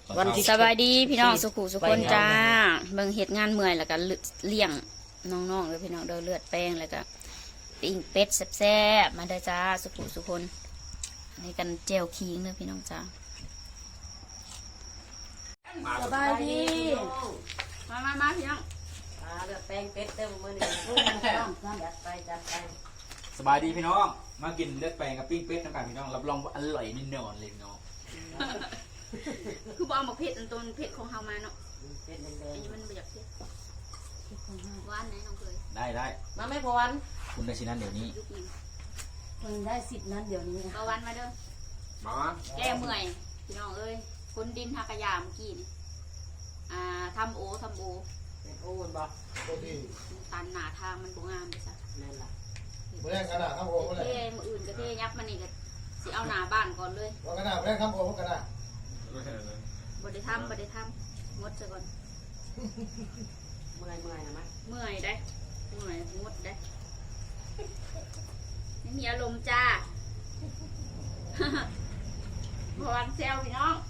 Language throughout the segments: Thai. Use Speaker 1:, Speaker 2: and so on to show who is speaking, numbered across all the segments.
Speaker 1: วันที่
Speaker 2: สบายดีพี่น้องสุขุสุคนจ้าเบิ่งเฮ็ดงานเมื่อยแล้วก็เลี้ยงน้องๆเลยพี่น้องเด้อเลือดแป้งแล้วก็ปิ้งเป็ดแซ่บๆมาเด้อจ้าสุขุสุคนนี่กันเจลคิงเด้อพี่น้องจ้าสบายดีมาพี่น้อง
Speaker 1: เลือดแป้งเป็ดเต็มมือนี่จัดไป
Speaker 3: สบายดีพี่น้องมากินเลือดแปลงกับปิ้งเป็ดน้ำกันพี่น้องรับรองว่าอร่อยแน่นอนเลยเนาะ
Speaker 2: คือบ่เอาหมกเผ็ดอันตัวเผ็ดของเฮามาเนาะ
Speaker 1: เป็ดแด
Speaker 2: อั
Speaker 1: ง
Speaker 2: นนี้มันบ่อยากเผ็ดของเฮาหวานไหนน้องเคย
Speaker 3: ได้
Speaker 1: ๆมาไม่พอวัน
Speaker 3: คุณได้ชิ้นนั้นเดี๋ยวนี้
Speaker 2: ยุคนึง
Speaker 1: มันได้10นั้นเดี๋ยวนี้นะ
Speaker 2: เอาหวานมาเด้อ
Speaker 3: มา
Speaker 2: แก้เมื่อยพี่น้องเอ้ยคนดินทากระยาเมื่อกี้นี่ทำโอ
Speaker 1: เป็นโอ้นบ่
Speaker 2: ตันหนาทางมันบ่งามเลยจ้ะ
Speaker 1: นั่นล่ะ
Speaker 4: เมื่อขนาดข้ามโอ่งเมื่อไหร่
Speaker 2: เท่มืออื่นก็เท่ยับมันนี่ก็สิเอาหนาบ้านก่อนเลย
Speaker 4: ว่าขนาดเมื่อข้ามโอ่งก็ได้
Speaker 2: บ่ได้ทำงดซะก่อน
Speaker 1: เมื่อยนะมั้ย
Speaker 2: เมื่อยได้เมื่อยงดได้ไม่มีอารมณ์จ้า พอวันเซลพี่น้อง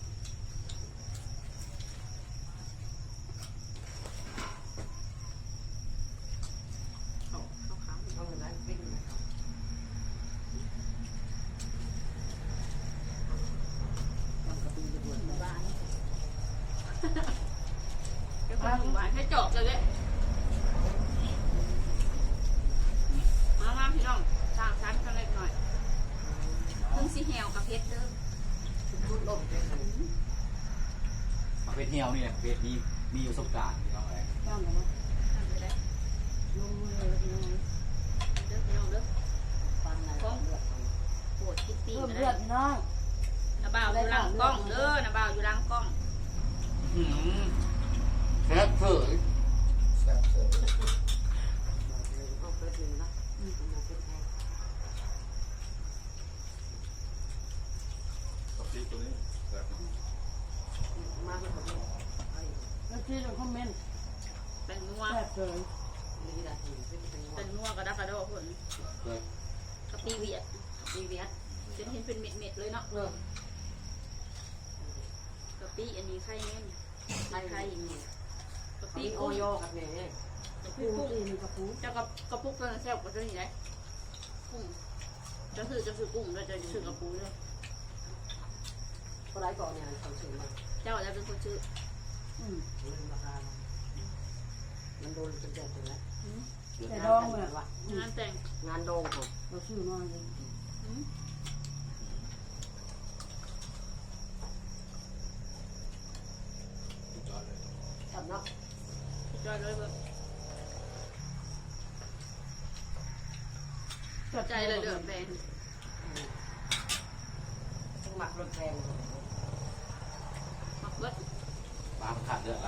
Speaker 1: เอาเงินนั้นปิ้งนะ
Speaker 2: บ้านก็ความหวานให้จบเลยมาพี่น้องสร้างชั้นกันเล็กหน่อยเพิ่งสิแหวกับเพชรเด้อ
Speaker 1: พูดลมเป็น
Speaker 3: มาเป็ดเหี่ยวนี่แหละเป็ดมีอยู่ประสบการณ์พี่น้องอะไร
Speaker 1: ต้องกันเนาะ
Speaker 2: ทำเลยได้
Speaker 1: ลงมือเลยพี่น้อง
Speaker 2: เด้อพี่น้องเด้อ
Speaker 1: ฟังอะไรเลือด
Speaker 2: โปวดคิดปี
Speaker 1: เพิ่ม
Speaker 2: นะ
Speaker 1: เลือดพี่น้อง
Speaker 2: นาบ่าวอยู่หลังกล้องเด้อนาบ่าวอยู่หลังกล้อง
Speaker 3: แซ่บเผย
Speaker 4: แซ่บเสร็จ
Speaker 1: เอาเปิดนะมาเป็นแทน มาเป็นคนแล้วที่เราคอมเมนต์
Speaker 2: เป็นนัว
Speaker 1: แซ่บเลยนี่แหละที่เป็น
Speaker 2: เป็นนัวกระดักกระโดดผล
Speaker 3: เลย
Speaker 2: กะปิเวียด
Speaker 1: ดีเวียด
Speaker 2: จนเห็นเป็นเม็ดๆเลยเนาะ
Speaker 1: เออก
Speaker 2: ะปิอันนี้ไข่เม่น
Speaker 1: ไทยนี่
Speaker 2: กะ
Speaker 1: ปี
Speaker 2: ปิ
Speaker 1: โอ
Speaker 2: กุ้ง
Speaker 1: โยกับเนี่ย
Speaker 2: กะปิ
Speaker 1: ปู
Speaker 2: กุ้ง
Speaker 1: นี่กับปู
Speaker 2: เจ้ากระปุกตัวนั้นแซ่บกว่าตัวนี้ได้กุ้งจะซื้อกุ้งแล้วจะซื้อกระปูเลย
Speaker 1: ก็ไล่ก่อนเนี่ยเขาซื้อมา
Speaker 2: เจ้าจะเป็นคนซื้อ
Speaker 1: ราคามันโดนจนเจ็บเลยนะ
Speaker 2: แต่
Speaker 1: ดองเลยวะ
Speaker 2: งานแต่ง
Speaker 1: งานโดงผมเราซื้อมาเลย
Speaker 2: อืม
Speaker 1: จับเนาะ
Speaker 2: จอยเลยเบิกใจเลยเดือดแดง
Speaker 1: ต้องหมักรถแพง
Speaker 2: หมักเบิด
Speaker 3: ปลาขาดเลือดละ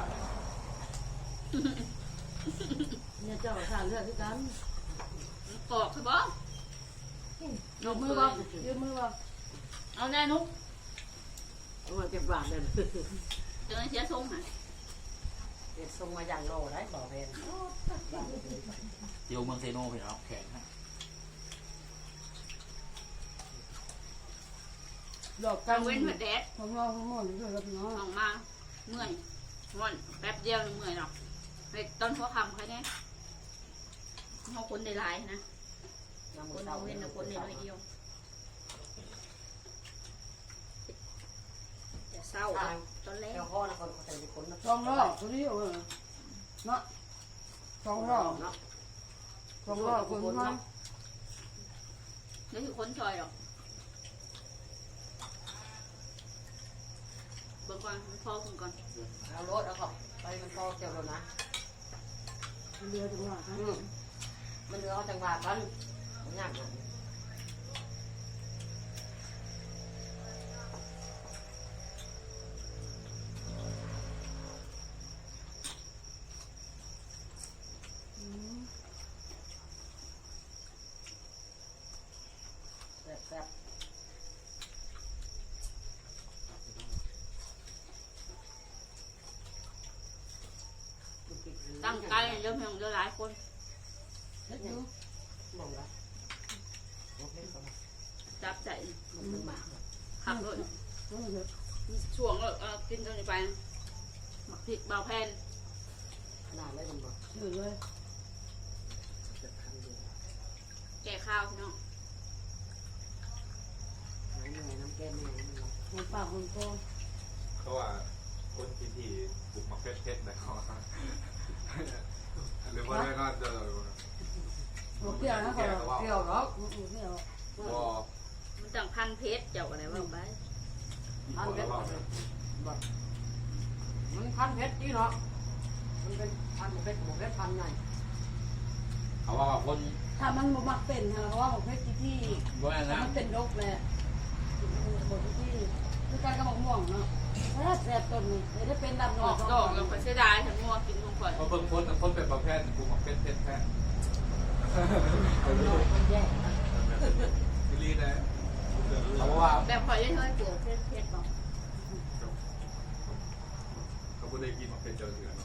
Speaker 1: เนี่ยเจ้าขาเลือดที่กัน
Speaker 2: ปอกคือบ่
Speaker 1: ยกมือบ่ยกมือบ่
Speaker 2: เอาแน่นุ๊ก
Speaker 1: เอามาเก็บบาทเลย
Speaker 2: เจอเสียทรงหะ
Speaker 1: เด็ดส่งมาอย่างโลได้บอกเพน
Speaker 3: เตียวเมืองเซโนพี่น้องแข็งฮะ
Speaker 1: ดอก
Speaker 2: กลางเว้นหัวแดด
Speaker 1: ของเราทั้งหมดเลยครับน้อง
Speaker 2: ออกมาเมื่อยม่อนแป๊บเดียวเมื่อยหรอกไปตอนหัวค่ำใครเนี่ยเขาคนได้หลายนะคนเอาเว้นคนได้น้อยเดียวจะเศร้าตอนแรก
Speaker 1: เจ้าพ่อนะคนเขาแต่คนนะ
Speaker 5: สองรอบตัวนี้เออเนาะสองรอบ
Speaker 1: เนาะ
Speaker 5: สองรอบคนมา
Speaker 2: นี่คือคนซอยหรอกเบิ่งก่อนมันพอคุณก่อน
Speaker 1: เอารถเอาของไปมันพอเกี่ยวแล้วนะ
Speaker 5: เรือจังหวะฮะ
Speaker 1: มันเรือเอาจังหวะกันมันยากนะ แซ่บ
Speaker 2: ตั้งใจเริ่มเยอะหลายคน
Speaker 1: เล็กดูมองละโอเคก็มา
Speaker 2: จับใจ
Speaker 1: มันเป็นหมาก
Speaker 2: ขับรถ
Speaker 5: เออเดี๋ยว
Speaker 2: ช่วงกินจนไปหมักผิดเบาแผ่น
Speaker 1: ขนาดเลยมันบอก
Speaker 5: อยู่เลย
Speaker 1: จะทำเดียว
Speaker 2: แก่ข้าวพี่น้อง
Speaker 1: หายเหนื่อยน้ำแก้มเหนื่อยมันบอก
Speaker 5: มันปากมันโต
Speaker 6: เขาว่าคนที่บุกมาเพชรนะเขาหรือว่าได้ก็จะ
Speaker 5: หัวเปรี้ยวนะเขาเปรี้ยวหรอกเปรี้ยว
Speaker 6: วอ
Speaker 2: มันจังพันเพชรเจ้าอะไรว่าไป
Speaker 1: พันเพชรบอกมันพันเพชรที่เนาะมันเป็นพันเพชรบอกเพชรพันไง
Speaker 3: เขาว่าคน
Speaker 5: ถ้ามันบ่มักเป็นฮะเพราะว่าของเพชรที่
Speaker 3: ว่านะ
Speaker 5: มันเป็นรกเลยบทที่คือการกระบอกม่วงเนาะแซ่บต้นนี่ได้เป็นดำห
Speaker 2: อ
Speaker 5: น่อ
Speaker 2: อย กดอกแล้วก็เสียดายทั้งงัวกินทั้งข่อย
Speaker 6: เพราะเพิ่งพ้นแต่พ้นเป็นประเภทบุกมาเพชรแท้
Speaker 1: มันแย่
Speaker 6: ที่รีนะ
Speaker 3: เขาว่า
Speaker 2: แบบข่อยยังเคยปลูกเพชรบอก
Speaker 6: เขาไม่ได้กินมาเป็นเจอเถื่อน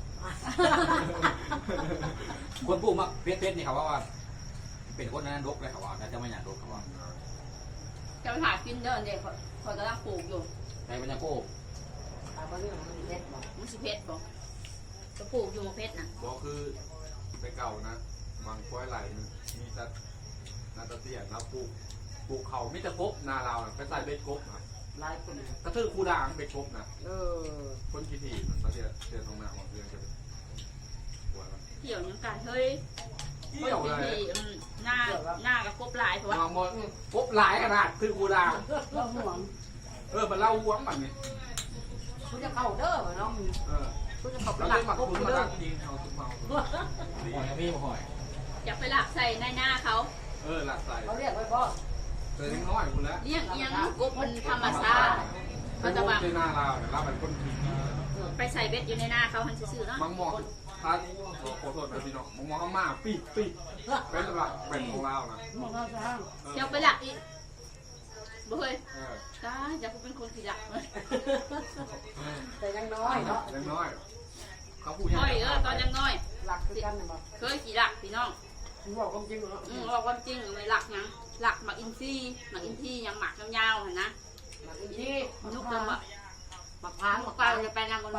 Speaker 3: คนปลูกมักเพชรนี่เขาว่าเป็นคนนั้นดกเลยเขาว่าแต่จะไม่อยากดกเขาว่า
Speaker 2: จะไปหากินเด้อเด็กข่อยกำลังปลูกอยู่
Speaker 3: ในบรรยากาศ
Speaker 1: ตาบ้านนี่มันเพชรบอก
Speaker 2: มันสิเพชรบอกจะปลูกอยู่เพชรนะ
Speaker 6: บอกคือไปเก่านะบางค้อยไหลมีแต่นาตะเตียนะปลูกเขาไม่จะกบนาเราไปใส่เบ็ดกบนะ
Speaker 1: ลายคน
Speaker 6: กระทือคูด่างเบ็ดกบนะ
Speaker 1: อ
Speaker 6: คนกี่ทีมันตะเตียเตียตรงหน้าของเพื่อนกันหัวมัน
Speaker 2: เกี่ยวยังการเฮ้ย
Speaker 6: เกี่ยวเลย
Speaker 2: หน้ากับกบลายเพราะว่า
Speaker 6: มองมองกบหลายขนาดคือคูด่าง
Speaker 5: เราห่วง
Speaker 6: มันเล่าหวงมันนี่
Speaker 1: คุณจะเข้าเด้อเนาะ คุณจะเข้า
Speaker 6: เรา
Speaker 1: หลั
Speaker 6: เล่
Speaker 1: ก
Speaker 6: นหมัก
Speaker 1: พวก
Speaker 6: คุณ
Speaker 1: คุณ
Speaker 6: มา
Speaker 1: เด้อ
Speaker 6: ตั้งยิงเอาทุกเมา
Speaker 3: หอยพี่หอย
Speaker 2: อยากไปหลักใส่ในหน้าเขา
Speaker 6: หลักใส่
Speaker 1: เขาเรียกไว้พ่อ
Speaker 6: เจอเล็กน้อยคุณแล้ว
Speaker 2: เลี้ยงเอียงกบมันธรรมชาติเขาจะแบบ
Speaker 6: ในหน้าเราเนี่ยเราเป็นคนผี
Speaker 2: ไปใส่เบ็ดอยู่ในหน้าเขาหันซื่อๆเนาะ
Speaker 6: บางมองถ้าขอโทษนะพี่น้องมองข้างมาปีเป็นหลักเป็นของเรานะ
Speaker 5: หมดเราสร้าง
Speaker 2: เดี๋ยวไปหลักอีกบ่เคย
Speaker 6: เออ
Speaker 2: ตายจะเป็นคนขี้หลักเลย
Speaker 1: แต่ยังน้อยเนาะ
Speaker 6: เล็กน้อยเขาพูด
Speaker 2: น้อยตอนยังน้อย
Speaker 1: หลักคือกันนะบอก
Speaker 2: เคยขี้หลักพี่น้อง
Speaker 1: คุณบอกความจริงเนาะ
Speaker 2: บอกความจริงไม่หลักยังหลักหมักอินซี่หมักอินซี่ยังหมักยาวๆเห็นนะ
Speaker 1: หลักที่
Speaker 2: นุกจังหวะ
Speaker 1: หมักพางห
Speaker 2: ห
Speaker 1: มั
Speaker 2: มั
Speaker 1: ก
Speaker 2: ก
Speaker 1: ป
Speaker 2: ป
Speaker 1: ลา
Speaker 2: ลาจะไปนางคน
Speaker 5: ไป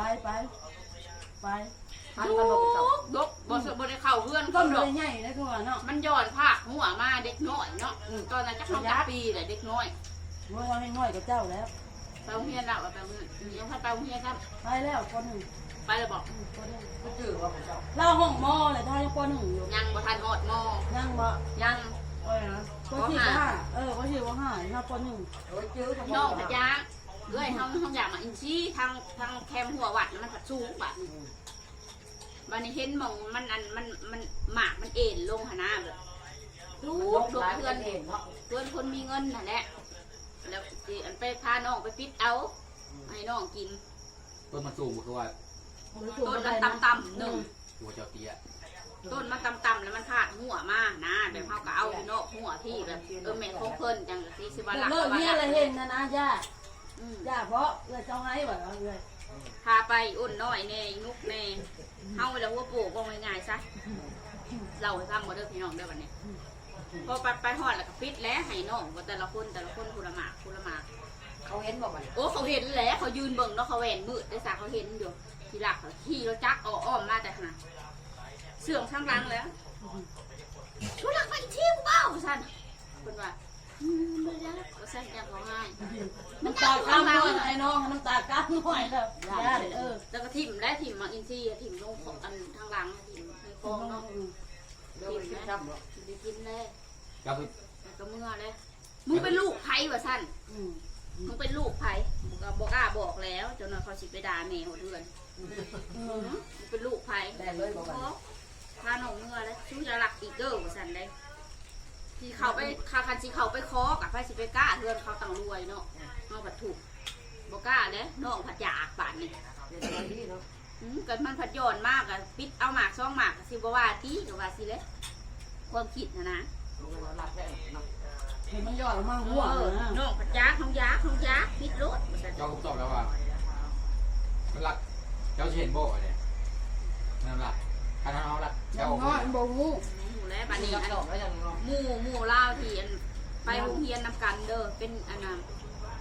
Speaker 1: พันกระโดดเจ้า
Speaker 2: ดกบ่ได้เข้าเพื่อน
Speaker 5: ต้
Speaker 2: ก็
Speaker 5: น
Speaker 2: ด
Speaker 5: เล
Speaker 2: อก
Speaker 5: ยใหญ่เลยคือว่าเนาะ
Speaker 2: มันย้อนภาคหัวมาเด็กน้อยเนาะตอนนั้นจะเข้าปีแหละเด็กน้อย
Speaker 5: เมื่อวันน้อยกับเจ้าแล้ว
Speaker 2: ไปโรงเรียนแล้วไปโรงเรียนยังพัดไปโรงเรียนครับ
Speaker 5: ไปแล้วคนหนึ่ง
Speaker 2: ไปเลยบอก
Speaker 5: คนหนึ่ง
Speaker 1: ก็จืดว่าของเจ้า
Speaker 5: เราห้องมอเลยถ้ายังคนหนึ่งอยู่
Speaker 2: ยังบ่ทันหอดมอ
Speaker 5: ยังบ่
Speaker 2: ยัง
Speaker 5: โอ้ยนะก็ชื่อว่าก็ชื่อว่าห้าถ้าคนหนึ่ง
Speaker 1: โอ้ยจืดของ
Speaker 2: น้องพะยางเอ้ยเฮาอยากมาอินซี่ทางแคมหัววัดมันผัดสูงบัดวันนี้เห็นมองมันหมากมันเอ็นลงหน้าแบบลูกเพื่อน
Speaker 1: เองเนาะ
Speaker 2: เพื่อนคนมีเงินนั่นแหละแล้วอันไปพาน้องไปปิดเอาให้น้องกิน
Speaker 3: ต้นมันสูงคือว่า
Speaker 2: ต้นมันต่ำๆหนึ่ง
Speaker 3: หัวเจ้าเตี้ย
Speaker 2: ต้นมันต่ำๆแล้วมันพาดหัวมานะแบบเขาก็เอาเนาะหัวที่แบบแม่ของเพิ่นจังที่สิบวันหลัก
Speaker 5: เลิกเนี่ยอะไรเห็นนะนะย่าย่าเพราะเลยเจ้าให้แบบเลย
Speaker 2: พาไปอุ่นน้อยแน่นุกแน่เฮาแล้วหัวโปกบ่ง่ายๆซะเราให้ฟังบ่เด้อพี่น้องเด้อบัดนี้พอไปฮอดแล้วก็ปิดแล้วให้น้องว่าแต่ละคนคนละหมาก
Speaker 1: เขาเห็นบอกมัน
Speaker 2: โอ้เขาเห็นแล้วเขายืนเบิ่งเนาะเขาแหวนมืดได้ซะเขาเห็นอยู่ทีหลักเขาขี่รถจักรอ้อมมาแต่ขนาดเสื่องข้างหลังแล้วชูหลักไปเที่ยวเบ้าซั่นเพิ่นว่าบ่ได้ว่าซั่นจังเขาให้
Speaker 5: น้ำตาก้ามหน่อยไอ้น้องน้ำตาก้ามหน่อยแบบย่าเออ
Speaker 2: แล้วก็ทิ่มและทิ่มมาอินซี่ทิ่มลงของอันทางหลังทิ่มให้ฟองเนาะ
Speaker 1: เดี๋ยวไปกินช้ำเนาะ
Speaker 2: ได้กินเลย
Speaker 3: เจ้าไป
Speaker 2: แล้วก็เมื่อเลยมึงเป็นลูกไผ่ว่าซั่นมึงเป็นลูกไผ่ก็บอกล้าบอกแล้วจนเขาสิไปด่าแม่หัวเดือนมึงเป็นลูกไผ่
Speaker 1: ได้เลยบอกมัน
Speaker 2: พาหนองเมื่อแล้วชูจะหลักอีกเด้อว่าซั่นได้ที่เขาไปคาคันสิเขาไปคอกับไผ่สิไปกล้าเดือนเขาต่างรวยเนาะน้องผัดถูกบอกกล้าเด้น้องผัดอยากบาดนี่
Speaker 1: เดี๋ยวจะดีเนาะ
Speaker 2: เกิดมันผัดย้อนมากอะปิดเอาหมากซ่องหมากสิบว่าตีกับว่าสิเลยความคิดนะ
Speaker 1: มันเราหลับได้เนาะ
Speaker 5: เห็นมันย่อยออกมาหัวเลยนะ
Speaker 2: น้องผัดยักษ์น้องยักษ์ปิดรถ
Speaker 3: เจ้าก็ตอบแล้วว่ามันหลักเจ้าเห็นโบกอะไรนั่นหลักถ้าเอาหลัก
Speaker 5: ยั
Speaker 3: เจ้าง
Speaker 5: น้อยโบงู
Speaker 2: อยู่แล้วบัดนี้
Speaker 1: ยั
Speaker 2: อั
Speaker 1: ง
Speaker 2: น
Speaker 1: ดอกแล้วยังเนาะ
Speaker 2: หมู่เล่าวที่อันไปโรงเรียนนำกันเด้อเป็นอันนั้น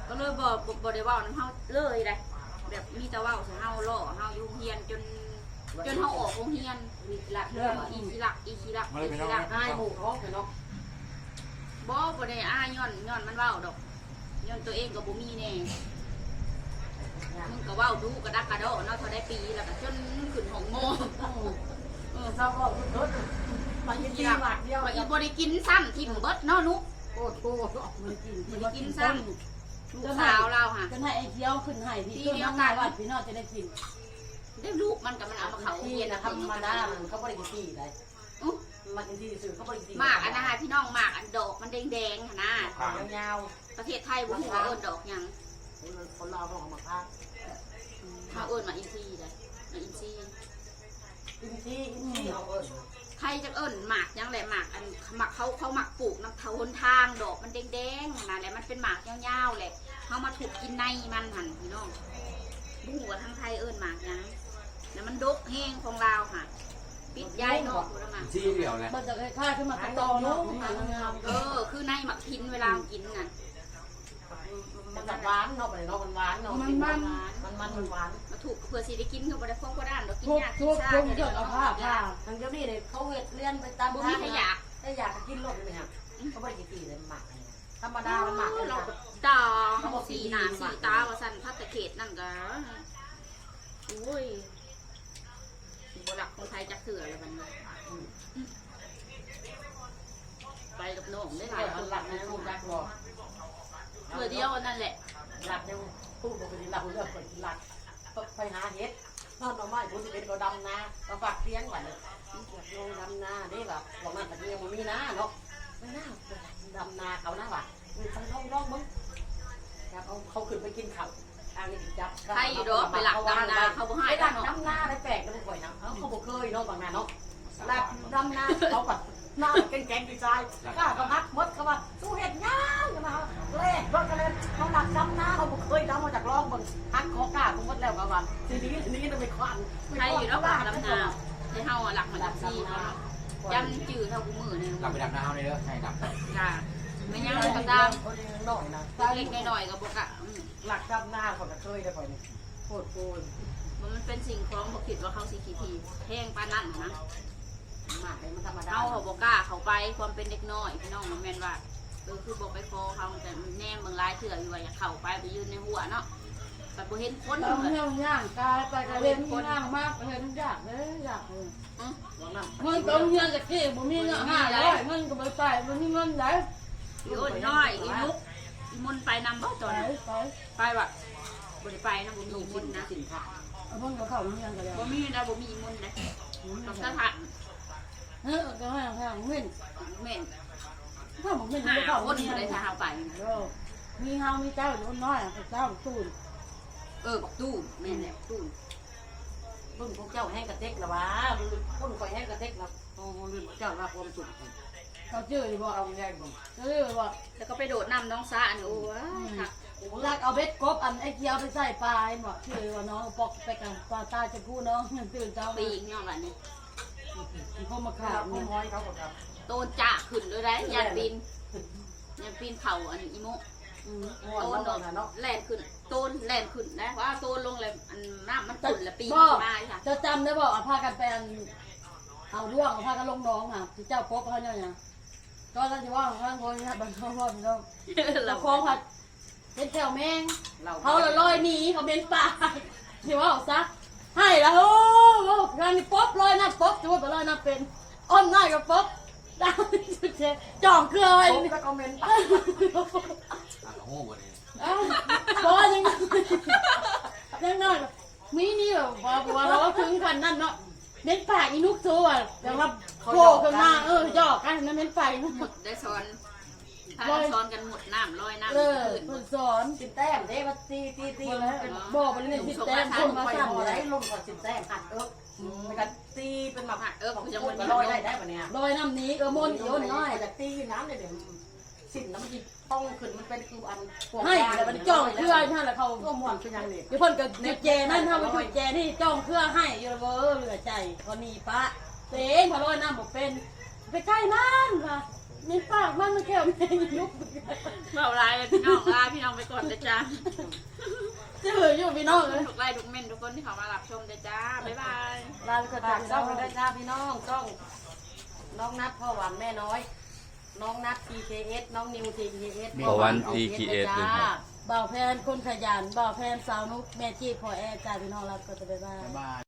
Speaker 2: ก็เลยบ่ได้เว้านำเฮาเลยได้แบบมีแต่เว้าใส่เฮาล่อเฮาอยู่โรงเรียนจนเฮาออกโรงเรียน
Speaker 5: มีหลักเรื่อง
Speaker 2: อีสิลัก
Speaker 1: อ้ายหมู่ท้องเนาะ
Speaker 2: บ่ได้อ้ายย้อนมันเว้าดอกย้อนตัวเองก็บ่มีแน่มึงก็เว้าดูกระดักกระโดดเนาะเท่าได้ปีแล้วก็จนขึ้นห้องโม
Speaker 1: เศร้าก็รถมากินที่บาทเดียว
Speaker 2: ว่าอีบ่ได้กินซ้ำทิ่มเบิดเนาะนุก
Speaker 1: โอ้โห
Speaker 5: มันกิน
Speaker 2: บ่ได้กินซ้ำลูกสาวเราค่ะ
Speaker 5: จะให้ไอ้เคี้ยวขึ้นให้พี่ต้นน้ำงานวัดพี่น้องจะได้กิน
Speaker 2: ได้ลูกมันก็มันเอามาเขา
Speaker 1: ที่
Speaker 2: เรียน
Speaker 1: นะ
Speaker 2: นะ
Speaker 1: ธรรมดาเขาบริกินที่ได้มากินที่สื่อเขาบริกิน
Speaker 2: หมากอันนะคะพี่น้องหมากอันดอกมันแดงๆหั่นนะ
Speaker 1: ขายาว
Speaker 2: ประเทศไทยบ่ฮู้ว่าเอิ้นดอกหยัง
Speaker 1: ๆคนเราต้องเอามาค้า
Speaker 2: เฮาเอิ้นว่าอินทรีได้อินทรี
Speaker 1: กินที่เขาเอิญ
Speaker 2: ไทยจักเอิ้นหมากหยังแหละหมากอันหมากเขาหมักปลูกนำทางหนทางดอกมันแดงๆหั่นน่ะแหละมันเป็นหมากยาวๆแหละเฮามาถูกกินในมันหั่นพี่น้องบ่ฮู้ว่าทางไทยเอิ้นหมากหยังแล้วมันดกแห้งของลาวค่ะปิดยายนอกพุ่นละมา
Speaker 3: ซี่เดียวแหละ
Speaker 5: มันจะค่ายขึ้นมาตอนุ่งงาม
Speaker 2: คือในหมักพินเวลากินน่ะ
Speaker 1: มันหวานเนาะไปเนาะมันหวานเนาะมันหวาน
Speaker 2: มาถูกเพื่อสิได้กินก็บ่ได้พวกบ่ด้านดอกกิน
Speaker 5: ทุก
Speaker 2: ยาก
Speaker 5: ทุก
Speaker 2: ชา
Speaker 5: ทุกเกิดเอาผ้า
Speaker 1: ทางเจ้านี่เนี่ยเขาเวทเลี้ยนไปตาม
Speaker 2: บ่
Speaker 1: ทา
Speaker 2: มี
Speaker 1: ง
Speaker 2: ขยะ
Speaker 1: ถ้าอยากกินรสเลยครับเขาบริกินที่เลยหมักธรรมดามันหมัก
Speaker 2: เราก็ตาสีหน้าสีตาว่าซั่นพัดตะเขตนั่นก็โอ้ยบ่รักคนไทยจักเถื่อเลยมันไปกับน้องได้หลาย
Speaker 1: คนหลักนะคุณรักรอ
Speaker 2: เพื่อเดียวนั่นแหละ
Speaker 1: หลักเนี่ยพูดปกติหลักเรื่องคนหลักไปหาเห็ดนอนมาไม่พูดเป็นเราดำนาเราฝากเลี้ยงไว้เลยลงดำนาได้แบบบอกนั่นแต่ยังมันมีนาเนาะไม่น่าดำนาเขาหน้าว่ะไปลองมึงครับเขาขึ้นไปกินข้าวอันนี้จับ
Speaker 2: ใครอยู่ดอกไปหลักดำนาเขาบ่ให้
Speaker 1: ไปหลัก
Speaker 2: เนาะ
Speaker 1: ดำนาได้แปลกกันบ่อยนะเขาบอกเคยเนาะบางนาเนาะหลักดำนาเขาแบบหน้าแกงดีใจกล้าเขาฮักมดเขาว่าสู้เห็ดย่างกันมาเล่รถกันเลยเขาหลักดำนาเขาบอกเคยดำมาจากร่องบนฮักคอกล้าเขามดแล้วเขาว่าทีนี้ต้องไปควัน
Speaker 2: ใครอยู่ดอกดำนาให้เฮาหลักมันดับซี่เนาะจำจื้อเท่ากูมือนึง
Speaker 3: เราไปดำน้ำเลยเด้อใช่ดำ
Speaker 2: จ้าไม่ยังก็ตาม
Speaker 1: หน่อยนะ
Speaker 2: เล็กๆน้อยๆก็บ่กะ
Speaker 1: หลักดำนาเขาเคยได้ก่อนนี่โคตรโกย
Speaker 2: มันเป็นสิ่งของบ่คิดว่าเขาสิขี้ทีแพงปานนั้นนะ
Speaker 1: หมักเลยมันธรรมดา
Speaker 2: เอาเขาบ่กล้าเข้าไปความเป็นเด็กน้อยพี่น้องมันแม่นว่าคือบ่ไปขอเขาแต่แนมเบิ่งหลายเทื่ออยู่ว่าอยากเข้าไปยืนในหัวเนาะแต่บ่เห็นคน
Speaker 5: เอา
Speaker 2: เลย
Speaker 5: เงี้ยย่างกายไปกระเล่นย่างมากเห็นยากเลยยากเลย
Speaker 1: บอกนั่น
Speaker 5: เงินต้องเงินจากที่บ่มีเงิน500เงินก็บ่ใส่บ่มีเงินไหน
Speaker 2: อีอ้นน้อยอีมุกอีมุนไปนำบ่ตอน
Speaker 5: ไป
Speaker 2: ไปว่ะบ่ได้ไปนะบ่มีอีมุนนะ
Speaker 1: สินค้า
Speaker 5: เอาเพิ่นก็เข้าโรงเรียนกันแล้ว
Speaker 2: บ่มีนะบ่มีอีมุนนะต้องสถาน
Speaker 5: ก็ให้ทางเว้น
Speaker 2: แม่น
Speaker 5: ถ้าบ่เว้น
Speaker 2: หา
Speaker 5: ก็เข้า
Speaker 2: คนอยู่ได้ถ้าเฮาไป
Speaker 5: มีเฮามีเจ้าอยู่น้อยเจ้าตูน
Speaker 2: บักตู้แม่นแหละตู้
Speaker 1: รุ่นพวกเจ้าแห้งกระเต็กละวะรุ่นคอยแห้งกระเต็กละโอ้รุ่นเจ้าละความสุข
Speaker 5: เขาเจอบ่
Speaker 1: เอาแห้งบ่
Speaker 5: เจอบ่
Speaker 2: แล้วก็ไปโดดน้ำน้องสาอันโอ้ยค่ะ
Speaker 5: ลักเอาเบ็ดกบอันไอ้เกียวไปใส่ปลาบ่เจอว่าน้องปอกไปกันปลาตาจะกู้น้องตื่นเจ้า
Speaker 2: ปีกเนาะบัดนี้
Speaker 5: เขามา
Speaker 1: ข้า
Speaker 5: ขาว
Speaker 1: วน้อยเขาบอกครับ
Speaker 2: โตนจ่าขึ้นเลยได้ยันปีนเข่าอันอีโม
Speaker 1: ง่วง
Speaker 2: โตน
Speaker 1: นอนเนาะ
Speaker 2: แล่นขึ้นโตนแล่นขึ้นนะว่าโตนลงเลยอันน้ำมันตุ่นละปีนมาค่ะ
Speaker 5: เจ้าจำได้บ่พากันไปเอาร่วงพากันลงน้องอ่ะที่เจ้าพบเขาเนี่ยก็ท่านจะว่าข้างบนเนี่ยบางคนว่าพี่น้อง
Speaker 2: เรา
Speaker 5: คองผัดเป็นแถวแมง
Speaker 1: เรา
Speaker 5: เขาลอยหนีเขาเป็นป่าที่ว่าซะให้แล้วโอ้การนี่ป๊บลอยน้ำป๊บจะว่าไปลอยน้ำเป็นอ้อมน้อยกับป๊บดาวจ่องเครือไว้
Speaker 1: แล้วก็เมน
Speaker 3: โอ้โหวันนี้
Speaker 5: พอยังน้อยมีนี่แบบว่าเราถึงกันนั่นเนาะเน้นป่าอีนุกตัวแต่ว่าโผล่ขึ้นมาหยอกกันนั่นเน้นป่าอีนุก
Speaker 2: ได้ซ้อนถ้าซ้อนกันหมดน้ำลอยน้ำ
Speaker 5: เออ
Speaker 2: ขึ้น
Speaker 5: เพิ่นสอน
Speaker 1: สินแต้มเด้มาตี
Speaker 5: บอกไปเลยที่แต้มคนมา
Speaker 1: ไป
Speaker 5: สั่น
Speaker 1: หอ
Speaker 5: เล
Speaker 1: ได้
Speaker 5: ย
Speaker 1: ลงก่อนสินแต้มหัดไปกันตีเป็นแบบ
Speaker 2: กูจะ
Speaker 1: พู
Speaker 2: มั
Speaker 1: ด
Speaker 2: น
Speaker 1: ลอยได้ปะเนี่ย
Speaker 5: ลอยน้ำนี้มนต์โยนน้อย
Speaker 1: จากตีน้ำเนี่ยเดี๋ยวสินน้ำมันต้องขึ้นมันเป็นคืออัน
Speaker 5: ให้แต่มันจ้องเครือนั่นแหละเขา
Speaker 1: ก็ม่วนคือยังนี่
Speaker 5: เดี๋ยวเพิ่นก็จุดแจนั่นทำไปจุดแจนี่จ้องเครือให้อยู่เวอร์เหลือใจก็นี่ปะเต็งพอลอยน้ำบอกเป็นไปใกล้นั่นค่ะเม็ดปากมันแค่แม่งยุก
Speaker 2: เบาลายเลยพี่น้องลาพี่น้องไปก่อนเลยจ้า
Speaker 5: จะเหลืออยู่พี่น้องเลย
Speaker 2: ทุกไลน์ทุกเม่นทุกคนที่เขามารับชมเลยจ้าบ๊ายบาย
Speaker 1: ลาไปก่อนจากช่องด้วยจ้าพี่น้องช่องน้องนัทพ่อหวานแม่น้อย น้องนัท TKS น้องนิว TKS
Speaker 6: พ่อหวาน TKS
Speaker 1: จ้า
Speaker 5: บ่าวแพนคนขยันบ่าวแพนสาวนุกแม่จีพอแอร์จ้าพี่น้องรับก็จะไปบ้าน
Speaker 3: บ๊ายบาย